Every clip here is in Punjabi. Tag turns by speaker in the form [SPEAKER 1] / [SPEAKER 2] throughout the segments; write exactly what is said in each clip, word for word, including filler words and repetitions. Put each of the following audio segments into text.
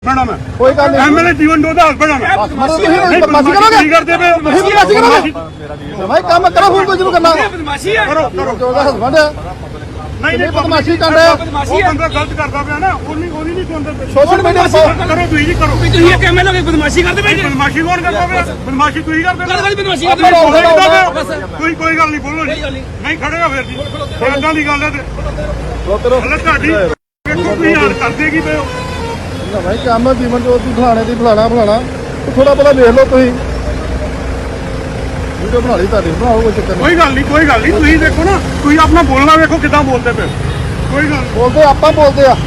[SPEAKER 1] ਮੈਡਮ ਹੈ
[SPEAKER 2] ਕੋਈ ਗੱਲ ਨਹੀਂ
[SPEAKER 1] ਐਮਐਲਏ ਜੀਵਨ ਜੋਤ ਦਾ ਹਸਬੰਡ ਹੈ
[SPEAKER 2] ਤੁਸੀਂ ਬਦਮਾਸ਼ੀ ਕਰੋਗੇ
[SPEAKER 1] ਕੀ ਕਰਦੇ ਪਏ ਹੋ
[SPEAKER 2] ਤੁਸੀਂ ਬਦਮਾਸ਼ੀ ਕਰੋਗੇ ਭਾਈ ਕੰਮ ਕਰੋ ਹੁਣ ਕੁਝ ਨੂੰ ਕਰਨਾ
[SPEAKER 3] ਬਦਮਾਸ਼ੀ ਹੈ
[SPEAKER 1] ਕਰੋ ਕਰੋ
[SPEAKER 2] ਜੋ ਦਾ ਹਸਬੰਡ ਹੈ
[SPEAKER 1] ਨਹੀਂ ਨਹੀਂ
[SPEAKER 2] ਬਦਮਾਸ਼ੀ ਕਰ ਰਿਹਾ
[SPEAKER 1] ਉਹ ਬੰਦਾ ਗਲਤ ਕਰਦਾ ਪਿਆ ਨਾ ਉਹਨੀ ਉਹਦੀ ਨਹੀਂ ਸੁਣਦੇ
[SPEAKER 2] ਸੋਸ਼ਲ ਮੀਡੀਆ ਤੇ
[SPEAKER 1] ਕਰੋ ਤੁਸੀਂ ਜੀ ਕਰੋ
[SPEAKER 3] ਤੁਸੀਂ ਇਹ ਐਮਐਲਏ ਦੀ ਬਦਮਾਸ਼ੀ ਕਰਦੇ ਪਏ ਜੀ
[SPEAKER 1] ਬਦਮਾਸ਼ੀ ਕੌਣ ਕਰਦਾ ਪਿਆ ਬਦਮਾਸ਼ੀ ਤੁਸੀਂ ਕਰਦੇ
[SPEAKER 3] ਗੱਲ ਗੱਲ ਬਦਮਾਸ਼ੀ
[SPEAKER 1] ਪਏ
[SPEAKER 3] ਕਰਦੇ
[SPEAKER 1] ਕੋਈ ਕੋਈ ਗੱਲ ਨਹੀਂ ਬੋਲੋ ਜੀ ਨਹੀਂ ਖੜੇਗਾ ਫਿਰ ਜੀ ਇਦਾਂ ਦੀ ਗੱਲ ਹੈ ਤੇ
[SPEAKER 2] ਰੋਤਰੋ
[SPEAKER 1] ਹਲੇ ਤੁਹਾਡੀ ਵੇਖੋ ਤੁਸੀਂ ਯਾਰ ਕਰਦੇ ਕੀ ਪਏ ਹੋ
[SPEAKER 2] ਨਾ ਭਾਈ ਕੰਮ ਜੀਵਨ ਜੋਤ ਦੀ ਫਲਾਣੇ ਦੀ ਫਲਾਣਾ ਫਲਾਣਾ ਥੋੜਾ ਬਹੁਤਾ ਵੇਖ ਲਓ ਤੁਸੀਂ ਵੀਡੀਓ ਬਣਾ ਲਈ ਤੁਹਾਡੀ ਬਣਾਓ ਕੋਈ ਚੱਕਰ ਨਹੀਂ
[SPEAKER 1] ਕੋਈ ਗੱਲ ਨਹੀਂ ਕੋਈ ਗੱਲ ਨਹੀਂ ਤੁਸੀਂ ਦੇਖੋ ਨਾ ਤੁਸੀਂ ਆਪਣਾ ਬੋਲਣਾ ਵੇਖੋ ਕਿੱਦਾਂ ਬੋਲਦੇ ਪਏ ਕੋਈ ਗੱਲ
[SPEAKER 2] ਬੋਲਦੇ ਆਪਾਂ ਬੋਲਦੇ ਆ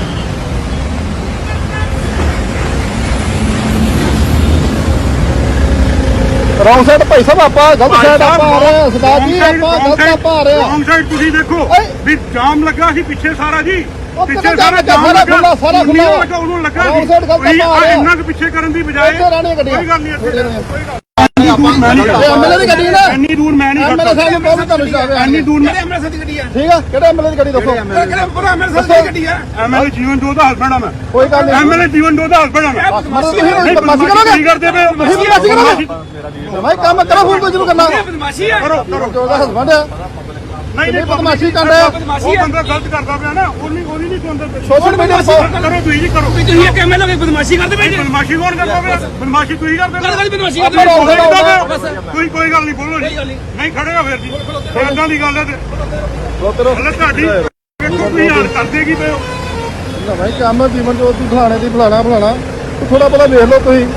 [SPEAKER 2] ਰੌਂਗ ਸਾਈਡ ਭਾਈ ਸਾਹਿਬ ਆਪਾਂ ਗਲਤ ਸਾਈਡ ਆਪਾਂ ਆ ਰਹੇ ਹਾਂ ਸਰਦਾਰ ਜੀ ਆਪਾਂ ਗਲਤ ਆਪਾਂ ਆ ਰਹੇ ਹਾਂ
[SPEAKER 1] ਰੌਂਗ ਸਾਈਡ ਤੁਸੀਂ ਦੇਖੋ ਵੀ ਜਾਮ ਲੱਗਾ ਸੀ ਪਿੱਛੇ ਸਾਰਾ ਜੀ ਪਿੱਛੇ ਸਾਰਾ ਜਾਮ
[SPEAKER 2] ਸਾਰਾ
[SPEAKER 1] ਲੱਗਾ
[SPEAKER 2] ਖੁੱਲਾ ਸਾਰਾ ਖੁੱਲਾ
[SPEAKER 1] ਲੱਗਾ ਉਹਨੂੰ ਲੱਗਾ
[SPEAKER 2] ਰੌਂਗ ਸਾਈਡ ਗਲਤ
[SPEAKER 1] ਸੀ
[SPEAKER 2] ਆਪਾਂ ਆ ਰਹੇ ਹਾਂ
[SPEAKER 1] ਇੰਨਾ ਕੁ ਪਿੱਛੇ ਕਰਨ ਦੀ ਬਜਾਏ
[SPEAKER 2] ਇੱਥੇ ਰਹਿਣੀਆਂ ਗੱਡੀਆਂ
[SPEAKER 1] ਕੋਈ ਗੱਲ ਨਹੀਂ ਇੱਥੇ ਕੋਈ ਗੱਲ
[SPEAKER 2] ਐਮਐਲਏ ਦੀ ਗੱਡੀ ਨਾ
[SPEAKER 1] ਇੰਨੀ ਦੂਰ ਮੈਂ ਨਹੀਂ
[SPEAKER 2] ਐਮਐਲਏ ਸਾਹਿਬ ਨੂੰ ਬਹੁਤ ਤੁਹਾਨੂੰ ਸ਼ਾਬਾਸ਼
[SPEAKER 1] ਇੰਨੀ ਦੂਰ
[SPEAKER 3] ਕਿਹੜੇ ਐਮਐਲਏ ਦੀ ਗੱਡੀ ਆ
[SPEAKER 2] ਠੀਕ ਆ ਕਿਹੜੇ ਐਮਐਲਏ ਦੀ ਗੱਡੀ ਦੱਸੋ
[SPEAKER 3] ਕਿਹੜੇ ਪੂਰਾ ਐਮਐਲਏ ਦੀ ਗੱਡੀ ਆ
[SPEAKER 1] ਐਮਐਲਏ ਜੀਵਨ ਜੋਤ ਦਾ ਹਸਬੰਡ ਆ ਮੈਂ
[SPEAKER 2] ਕੋਈ ਗੱਲ ਨਹੀਂ
[SPEAKER 1] ਐਮਐਲਏ ਜੀਵਨ ਜੋਤ ਦਾ ਹਸਬੰਡ ਆ ਮੈਂ
[SPEAKER 2] ਤੁਸੀਂ ਬਦਮਾਸ਼ੀ ਕਰੋਗੇ
[SPEAKER 1] ਕੀ ਕਰਦੇ ਪਏ ਹੋ
[SPEAKER 2] ਤੁਸੀਂ ਬਦਮਾਸ਼ੀ ਕਰੋਗੇ ਭਾਈ ਕੰਮ ਕਰੋ ਹੁਣ ਕੁਝ ਨੂੰ ਕਰਨਾ
[SPEAKER 3] ਬਦਮਾਸ਼ੀ ਹੈ
[SPEAKER 1] ਕਰੋ ਕਰੋ
[SPEAKER 2] ਜੋ ਦਾ ਹਸਬੰਡ ਹੈ
[SPEAKER 1] ਨਹੀਂ ਨਹੀਂ
[SPEAKER 2] ਬਦਮਾਸ਼ੀ ਕਰ ਰਿਹਾ
[SPEAKER 1] ਉਹ ਬੰਦਾ ਗਲਤ ਕਰਦਾ ਪਿਆ ਨਾ ਉਹਨੀ ਉਹਦੀ ਨਹੀਂ ਸੁਣਦੇ
[SPEAKER 2] ਸੋਸ਼ਲ ਮੀਡੀਆ ਤੇ
[SPEAKER 1] ਕਰੋ ਤੁਸੀਂ ਜੀ ਕਰੋ
[SPEAKER 3] ਤੁਸੀਂ ਇਹ ਐਮਐਲਏ ਦੀ ਬਦਮਾਸ਼ੀ ਕਰਦੇ ਪਏ ਜੀ
[SPEAKER 1] ਬਦਮਾਸ਼ੀ ਕੌਣ ਕਰਦਾ ਪਿਆ ਬਦਮਾਸ਼ੀ ਤੁਸੀਂ ਕਰਦੇ
[SPEAKER 3] ਗੱਲ ਗੱਲ ਬਦਮਾਸ਼ੀ
[SPEAKER 2] ਆਪਾਂ ਰੌਂਗ ਸਾਈਡ ਆਉਂਦੇ
[SPEAKER 1] ਕੋਈ ਕੋਈ ਗੱਲ ਨਹੀਂ ਬੋਲੋ ਜੀ ਨਹੀਂ ਖੜੇਗਾ ਫਿਰ ਜੀ ਇਦਾਂ ਦੀ ਗੱਲ ਹੈ ਤੇ
[SPEAKER 2] ਰੋਤਰੋ
[SPEAKER 1] ਹਲੇ ਤੁਹਾਡੀ ਵੇਖੋ ਤੁਸੀਂ ਯਾਰ ਕਰਦੇ ਕੀ ਪਏ ਹੋ
[SPEAKER 2] ਨਾ ਭਾਈ ਕੰਮ ਜੀਵਨ ਜੋਤ ਦੀ ਫਲਾਣੇ ਦੀ ਫਲਾਣਾ ਫਲਾਣਾ ਥੋੜਾ ਬਹੁਤਾ ਵੇਖ ਲਓ ਤੁਸੀਂ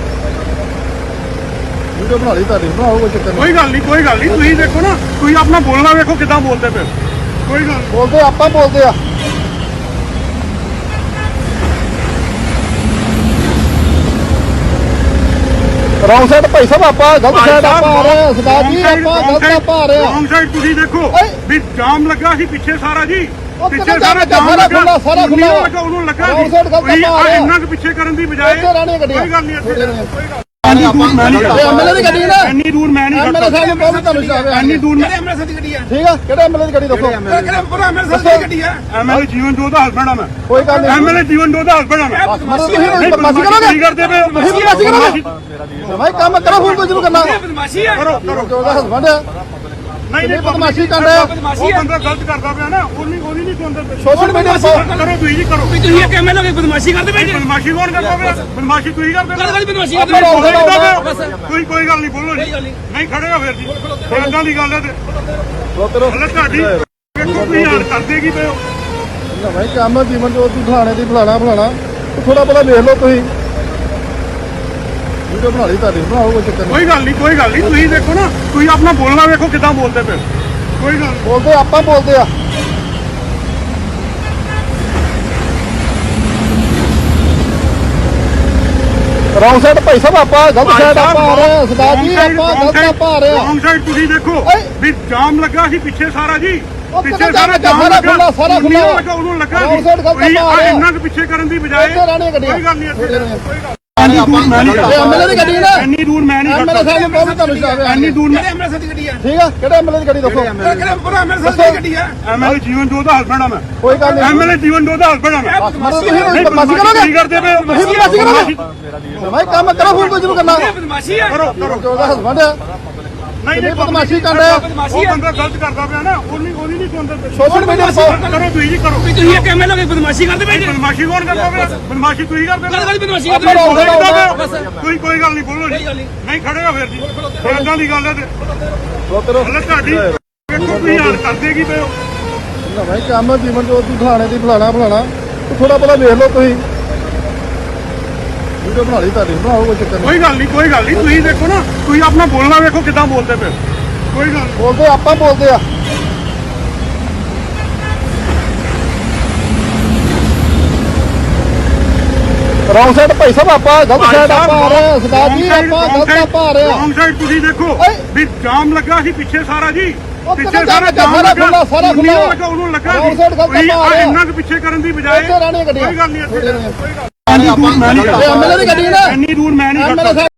[SPEAKER 2] ਵੀਡੀਓ ਬਣਾ ਲਈ ਤੁਹਾਡੀ ਬਣਾਓ ਕੋਈ ਚੱਕਰ ਨਹੀਂ
[SPEAKER 1] ਕੋਈ ਗੱਲ ਨਹੀਂ ਕੋਈ ਗੱਲ ਨਹੀਂ ਤੁਸੀਂ ਦੇਖੋ ਨਾ ਤੁਸੀਂ ਆਪਣਾ ਬੋਲਣਾ ਵੇਖੋ ਕਿੱਦਾਂ ਬੋਲਦੇ ਪਏ ਕੋਈ ਗੱਲ
[SPEAKER 2] ਬੋਲਦੇ ਆਪਾਂ ਬੋਲਦੇ ਆ ਰੌਂਗ ਸਾਈਡ ਭਾਈ ਸਾਹਿਬ ਆਪਾਂ ਗਲਤ ਸਾਈਡ ਆਪਾਂ ਆ ਰਹੇ ਹਾਂ ਸਰਦਾਰ ਜੀ ਆਪਾਂ ਗਲਤ ਆਪਾਂ ਆ ਰਹੇ ਹਾਂ
[SPEAKER 1] ਰੌਂਗ ਸਾਈਡ ਤੁਸੀਂ ਦੇਖੋ ਵੀ ਜਾਮ ਲੱਗਾ ਸੀ ਪਿੱਛੇ ਸਾਰਾ ਜੀ ਪਿੱਛੇ ਸਾਰਾ ਜਾਮ
[SPEAKER 2] ਸਾਰਾ
[SPEAKER 1] ਲੱਗਾ
[SPEAKER 2] ਖੁੱਲਾ ਸਾਰਾ ਖੁੱਲਾ
[SPEAKER 1] ਲੱਗਾ ਉਹਨੂੰ ਲੱਗਾ
[SPEAKER 2] ਰੌਂਗ ਸਾਈਡ ਗਲਤ ਆਪਾਂ ਆ ਰਹੇ ਹਾਂ
[SPEAKER 1] ਇੰਨਾ ਕੁ ਪਿੱਛੇ ਕਰਨ ਦੀ ਬਜਾਏ
[SPEAKER 2] ਇੱਥੇ ਰਹਿਣੀਆਂ ਗੱਡੀਆਂ
[SPEAKER 1] ਕੋਈ ਗੱਲ ਨਹੀਂ ਇੱਥੇ ਕੋਈ ਗੱਲ
[SPEAKER 2] ਐਮਐਲਏ ਦੀ ਗੱਡੀ ਨਾ
[SPEAKER 1] ਇੰਨੀ ਦੂਰ ਮੈਂ ਨਹੀਂ
[SPEAKER 2] ਐਮਐਲਏ ਸਾਹਿਬ ਨੂੰ ਬਹੁਤ ਤੁਹਾਨੂੰ ਸ਼ਾਬਾਸ਼
[SPEAKER 1] ਇੰਨੀ ਦੂਰ
[SPEAKER 3] ਕਿਹੜੇ ਐਮਐਲਏ ਦੀ ਗੱਡੀ ਆ
[SPEAKER 2] ਠੀਕ ਆ ਕਿਹੜੇ ਐਮਐਲਏ ਦੀ ਗੱਡੀ ਦੱਸੋ
[SPEAKER 3] ਕਿਹੜੇ ਪੂਰਾ ਐਮਐਲਏ ਦੀ ਗੱਡੀ ਆ
[SPEAKER 1] ਐਮਐਲਏ ਜੀਵਨ ਜੋਤ ਦਾ ਹਸਬੰਡ ਆ ਮੈਂ
[SPEAKER 2] ਕੋਈ ਗੱਲ ਨਹੀਂ
[SPEAKER 1] ਐਮਐਲਏ ਜੀਵਨ ਜੋਤ ਦਾ ਹਸਬੰਡ ਆ ਮੈਂ
[SPEAKER 2] ਤੁਸੀਂ ਬਦਮਾਸ਼ੀ ਕਰੋਗੇ
[SPEAKER 1] ਕੀ ਕਰਦੇ ਪਏ ਹੋ
[SPEAKER 2] ਤੁਸੀਂ ਬਦਮਾਸ਼ੀ ਕਰੋਗੇ ਭਾਈ ਕੰਮ ਕਰੋ ਹੁਣ ਕੁਝ ਨੂੰ ਕਰਨਾ
[SPEAKER 3] ਬਦਮਾਸ਼ੀ ਹੈ
[SPEAKER 1] ਕਰੋ ਕਰੋ
[SPEAKER 2] ਜੋ ਦਾ ਹਸਬੰਡ ਹੈ
[SPEAKER 1] ਨਹੀਂ ਨਹੀਂ
[SPEAKER 2] ਬਦਮਾਸ਼ੀ ਕਰ ਰਿਹਾ
[SPEAKER 1] ਉਹ ਬੰਦਾ ਗਲਤ ਕਰਦਾ ਪਿਆ ਨਾ ਉਹਨੀ ਉਹਦੀ ਨਹੀਂ ਸੁਣਦੇ
[SPEAKER 2] ਸੋਸ਼ਲ ਮੀਡੀਆ ਤੇ
[SPEAKER 1] ਕਰੋ ਤੁਸੀਂ ਜੀ ਕਰੋ
[SPEAKER 3] ਤੁਸੀਂ ਇਹ ਐਮਐਲਏ ਦੀ ਬਦਮਾਸ਼ੀ ਕਰਦੇ ਪਏ ਜੀ
[SPEAKER 1] ਬਦਮਾਸ਼ੀ ਕੌਣ ਕਰਦਾ ਪਿਆ ਬਦਮਾਸ਼ੀ ਤੁਸੀਂ ਕਰਦੇ
[SPEAKER 3] ਗੱਲ ਗੱਲ ਬਦਮਾਸ਼ੀ
[SPEAKER 2] ਆਪਾਂ ਰੌਂਗ ਸਾਈਡ ਆਉਂਦੇ
[SPEAKER 1] ਕੋਈ ਕੋਈ ਗੱਲ ਨਹੀਂ ਬੋਲੋ ਜੀ ਨਹੀਂ ਖੜੇਗਾ ਫਿਰ ਜੀ ਇਦਾਂ ਦੀ ਗੱਲ ਹੈ ਤੇ
[SPEAKER 2] ਰੋਤਰੋ
[SPEAKER 1] ਹਲੇ ਤੁਹਾਡੀ ਵੇਖੋ ਤੁਸੀਂ ਯਾਰ ਕਰਦੇ ਕੀ ਪਏ ਹੋ
[SPEAKER 2] ਨਾ ਭਾਈ ਕੰਮ ਜੀਵਨ ਜੋਤ ਦੀ ਫਲਾਣੇ ਦੀ ਫਲਾਣਾ ਫਲਾਣਾ ਥੋੜਾ ਬਹੁਤਾ ਵੇਖ ਲਓ ਤੁਸੀਂ ਵੀਡੀਓ ਬਣਾ ਲਈ ਤੁਹਾਡੀ ਬਣਾਓ ਕੋਈ ਚੱਕਰ ਨਹੀਂ
[SPEAKER 1] ਕੋਈ ਗੱਲ ਨਹੀਂ ਕੋਈ ਗੱਲ ਨਹੀਂ ਤੁਸੀਂ ਦੇਖੋ ਨਾ ਤੁਸੀਂ ਆਪਣਾ ਬੋਲਣਾ ਵੇਖੋ ਕਿੱਦਾਂ ਬੋਲਦੇ ਪਏ ਕੋਈ ਗੱਲ
[SPEAKER 2] ਬੋਲਦੇ ਆਪਾਂ ਬੋਲਦੇ ਆ ਰੌਂਗ ਸਾਈਡ ਭਾਈ ਸਾਹਿਬ ਆਪਾਂ ਗਲਤ ਸਾਈਡ ਆਪਾਂ ਆ ਰਹੇ ਹਾਂ ਸਰਦਾਰ ਜੀ ਆਪਾਂ ਗਲਤ ਆਪਾਂ ਆ ਰਹੇ ਹਾਂ
[SPEAKER 1] ਰੌਂਗ ਸਾਈਡ ਤੁਸੀਂ ਦੇਖੋ ਵੀ ਜਾਮ ਲੱਗਾ ਸੀ ਪਿੱਛੇ ਸਾਰਾ ਜੀ ਪਿੱਛੇ
[SPEAKER 2] ਸਾਰਾ
[SPEAKER 1] ਸਾਰਾ ਜਾਮ
[SPEAKER 2] ਸਾਰਾ
[SPEAKER 1] ਲੱਗਾ
[SPEAKER 2] ਖੁੱਲਾ ਸਾਰਾ ਖੁੱਲਾ
[SPEAKER 1] ਲੱਗਾ ਉਹਨੂੰ ਲੱਗਾ
[SPEAKER 2] ਰੌਂਗ ਸਾਈਡ ਗਲਤ ਆਪਾਂ ਆ ਰਹੇ ਹਾਂ
[SPEAKER 1] ਇੰਨਾ ਕੁ ਪਿੱਛੇ ਕਰਨ ਦੀ ਬਜਾਏ
[SPEAKER 2] ਇੱਥੇ ਰਹਿਣੀਆਂ ਗੱਡੀਆਂ
[SPEAKER 1] ਕੋਈ ਗੱਲ ਨਹੀਂ ਇੱਥੇ ਕੋਈ ਗੱਲ
[SPEAKER 2] ਐਮਐਲਏ ਦੀ ਗੱਡੀ ਨਾ
[SPEAKER 1] ਇੰਨੀ ਦੂਰ ਮੈਂ ਨਹੀਂ
[SPEAKER 2] ਐਮਐਲਏ ਸਾਹਿਬ ਨੂੰ ਬਹੁਤ ਤੁਹਾਨੂੰ ਸ਼ਾਬਾਸ਼
[SPEAKER 1] ਇੰਨੀ ਦੂਰ
[SPEAKER 3] ਕਿਹੜੇ ਐਮਐਲਏ ਦੀ ਗੱਡੀ ਆ
[SPEAKER 2] ਠੀਕ ਆ ਕਿਹੜੇ ਐਮਐਲਏ ਦੀ ਗੱਡੀ ਦੱਸੋ
[SPEAKER 3] ਕਿਹੜੇ ਪੂਰਾ ਐਮਐਲਏ ਦੀ ਗੱਡੀ ਆ
[SPEAKER 1] ਐਮਐਲਏ ਜੀਵਨ ਜੋਤ ਦਾ ਹਸਬੰਡ ਆ ਮੈਂ
[SPEAKER 2] ਕੋਈ ਗੱਲ ਨਹੀਂ
[SPEAKER 1] ਐਮਐਲਏ ਜੀਵਨ ਜੋਤ ਦਾ ਹਸਬੰਡ ਆ ਮੈਂ
[SPEAKER 2] ਤੁਸੀਂ ਬਦਮਾਸ਼ੀ ਕਰੋਗੇ
[SPEAKER 1] ਕੀ ਕਰਦੇ ਪਏ ਹੋ
[SPEAKER 2] ਤੁਸੀਂ ਬਦਮਾਸ਼ੀ ਕਰੋਗੇ ਭਾਈ ਕੰਮ ਕਰੋ ਹੁਣ ਕੁਝ ਨੂੰ ਕਰਨਾ
[SPEAKER 3] ਬਦਮਾਸ਼ੀ ਹੈ
[SPEAKER 1] ਕਰੋ ਕਰੋ
[SPEAKER 2] ਜੋ ਦਾ ਹਸਬੰਡ ਹੈ
[SPEAKER 1] ਨਹੀਂ ਨਹੀਂ
[SPEAKER 2] ਬਦਮਾਸ਼ੀ ਕਰ ਰਿਹਾ
[SPEAKER 1] ਉਹ ਬੰਦਾ ਗਲਤ ਕਰਦਾ ਪਿਆ ਨਾ ਉਹਨੀ ਉਹਦੀ ਨਹੀਂ ਸੁਣਦੇ
[SPEAKER 2] ਸੋਸ਼ਲ ਮੀਡੀਆ ਤੇ
[SPEAKER 1] ਕਰੋ ਤੁਸੀਂ ਜੀ ਕਰੋ
[SPEAKER 3] ਤੁਸੀਂ ਇਹ ਐਮਐਲਏ ਦੀ ਬਦਮਾਸ਼ੀ ਕਰਦੇ ਪਏ ਜੀ
[SPEAKER 1] ਬਦਮਾਸ਼ੀ ਕੌਣ ਕਰਦਾ ਪਿਆ ਬਦਮਾਸ਼ੀ ਤੁਸੀਂ ਕਰਦੇ
[SPEAKER 3] ਗੱਲ ਗੱਲ ਬਦਮਾਸ਼ੀ
[SPEAKER 2] ਆਪਾਂ ਰੌਂਗ ਸਾਈਡ ਆਉਂਦੇ
[SPEAKER 1] ਕੋਈ ਕੋਈ ਗੱਲ ਨਹੀਂ ਬੋਲੋ ਜੀ ਨਹੀਂ ਖੜੇਗਾ ਫਿਰ ਜੀ ਇਦਾਂ ਦੀ ਗੱਲ ਹੈ ਤੇ
[SPEAKER 2] ਰੋਤਰੋ
[SPEAKER 1] ਹਲੇ ਤੁਹਾਡੀ ਵੇਖੋ ਤੁਸੀਂ ਯਾਰ ਕਰਦੇ ਕੀ ਪਏ ਹੋ
[SPEAKER 2] ਨਾ ਭਾਈ ਕੰਮ ਜੀਵਨ ਜੋਤ ਦੀ ਫਲਾਣੇ ਦੀ ਫਲਾਣਾ ਫਲਾਣਾ ਥੋੜਾ ਬਹੁਤਾ ਵੇਖ ਲਓ ਤੁਸੀਂ ਵੀਡੀਓ ਬਣਾ ਲਈ ਤੁਹਾਡੀ ਬਣਾਓ ਕੋਈ ਚੱਕਰ ਨਹੀਂ
[SPEAKER 1] ਕੋਈ ਗੱਲ ਨਹੀਂ ਕੋਈ ਗੱਲ ਨਹੀਂ ਤੁਸੀਂ ਦੇਖੋ ਨਾ ਤੁਸੀਂ ਆਪਣਾ ਬੋਲਣਾ ਵੇਖੋ ਕਿੱਦਾਂ ਬੋਲਦੇ ਪਏ ਕੋਈ ਗੱਲ
[SPEAKER 2] ਬੋਲਦੇ ਆਪਾਂ ਬੋਲਦੇ ਆ ਰੌਂਗ ਸਾਈਡ ਭਾਈ ਸਾਹਿਬ ਆਪਾਂ ਗਲਤ ਸਾਈਡ ਆਪਾਂ ਆ ਰਹੇ ਹਾਂ ਸਰਦਾਰ ਜੀ ਆਪਾਂ ਗਲਤ ਆਪਾਂ ਆ ਰਹੇ ਹਾਂ
[SPEAKER 1] ਰੌਂਗ ਸਾਈਡ ਤੁਸੀਂ ਦੇਖੋ ਵੀ ਜਾਮ ਲੱਗਾ ਸੀ ਪਿੱਛੇ ਸਾਰਾ ਜੀ ਪਿੱਛੇ ਸਾਰਾ ਜਾਮ
[SPEAKER 2] ਸਾਰਾ
[SPEAKER 1] ਲੱਗਾ
[SPEAKER 2] ਖੁੱਲਾ ਸਾਰਾ ਖੁੱਲਾ
[SPEAKER 1] ਲੱਗਾ ਉਹਨੂੰ ਲੱਗਾ
[SPEAKER 2] ਰੌਂਗ ਸਾਈਡ ਗਲਤ ਆਪਾਂ ਆ ਰਹੇ
[SPEAKER 1] ਇੰਨਾ ਕੁ ਪਿੱਛੇ ਕਰਨ ਦੀ ਬਜਾਏ
[SPEAKER 2] ਇੱਥੇ ਰਹਿਣੀਆਂ ਗੱਡੀਆਂ
[SPEAKER 1] ਕੋਈ ਗੱਲ ਨਹੀਂ ਇੱਥੇ ਕੋਈ ਗੱਲ
[SPEAKER 2] ਐਮਐਲਏ ਦੀ ਗੱਡੀ ਨਾ
[SPEAKER 1] ਇੰਨੀ ਦੂਰ ਮੈਂ ਨਹੀਂ
[SPEAKER 2] ਐਮਐਲਏ